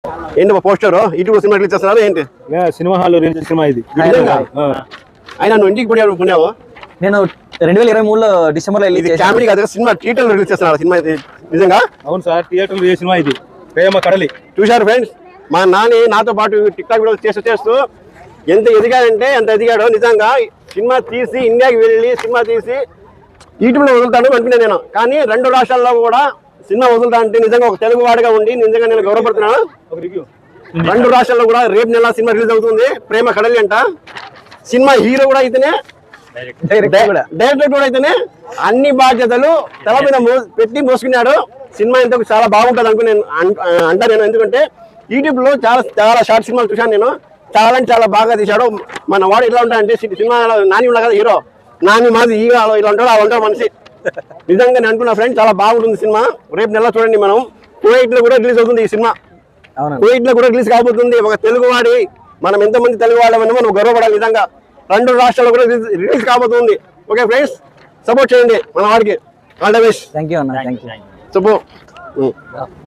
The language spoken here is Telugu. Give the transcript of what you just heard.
ఏంటి పోస్టర్ ఇటు సినిమా రిలీజ్ చేస్తున్నారు ఏంటి? సినిమా హాల్ రిలీజ్ సినిమా ఇది. అయినా నువ్వు ఇంటికి పోయావు? నేను 2023లో డిసెంబర్లో రిలీజ్ చేశాను. కామెడీ కాదు, సినిమా థియేటర్లో రిలీజ్ చేస్తున్నారు సినిమా ఇది నిజంగా? అవును సార్, థియేటర్లో రిలీజ్ సినిమా ఇది, ప్రేమ కడలి. చూశారు ఫ్రెండ్స్, మా నాని నాతో పాటు టిక్ టాక్ వీడియోలు చేస్తూ ఎంత ఎదిగాడంటే ఎంత ఎదిగాడో. నిజంగా సినిమా తీసి ఇండియాకి వెళ్ళి సినిమా తీసి యూట్యూబ్లో వదులుతాను అనుకునే నేను, కానీ 2 రాష్ట్రాల్లో కూడా సినిమా వదులుతా అంటే నిజంగా ఒక తెలుగు వాడిగా ఉండి నిజంగా నేను గౌరవపడుతున్నాను. 2 రాష్ట్రాల్లో కూడా రేపు నెల సినిమా రిలీజ్ అవుతుంది, ప్రేమ కడలి అంట. సినిమా హీరో కూడా అయితేనే, డైరెక్టర్ కూడా అయితేనే అన్ని బాధ్యతలు తల మీద పెట్టి మోసుకున్నాడు. సినిమా ఇంతకు చాలా బాగుంటుంది అనుకుని నేను అంటాను నేను, ఎందుకంటే యూట్యూబ్ లో చాలా షార్ట్ సినిమాలు చూశాను నేను. చాలా బాగా తీశాడు. మన వాడు ఎలా ఉంటాడంటే సినిమా నాని ఉన్నా కదా హీరో, నాని మాది ఇలా ఉంటాడు, అలా ఉంటాడు మనిషి. నిజంగా నేను అనుకున్నా ఫ్రెండ్, చాలా బాగుంటుంది సినిమా. రేపు నెల చూడండి, మనం కువైట్ లో కూడా రిలీజ్ అవుతుంది ఈ సినిమా. కువైట్ లో కూడా రిలీజ్ కాబోతుంది. ఒక తెలుగు వాడి మనం ఎంతమంది తెలుగు వాళ్ళమని మనం గర్వపడాలి. నిజంగా 2 రాష్ట్రాల్లో కూడా రిలీజ్ కాబోతుంది. ఓకే ఫ్రెండ్స్, సపోర్ట్ చేయండి మన వాడికి. All the best. Thank you అన్న. Thank you. చెప్పు.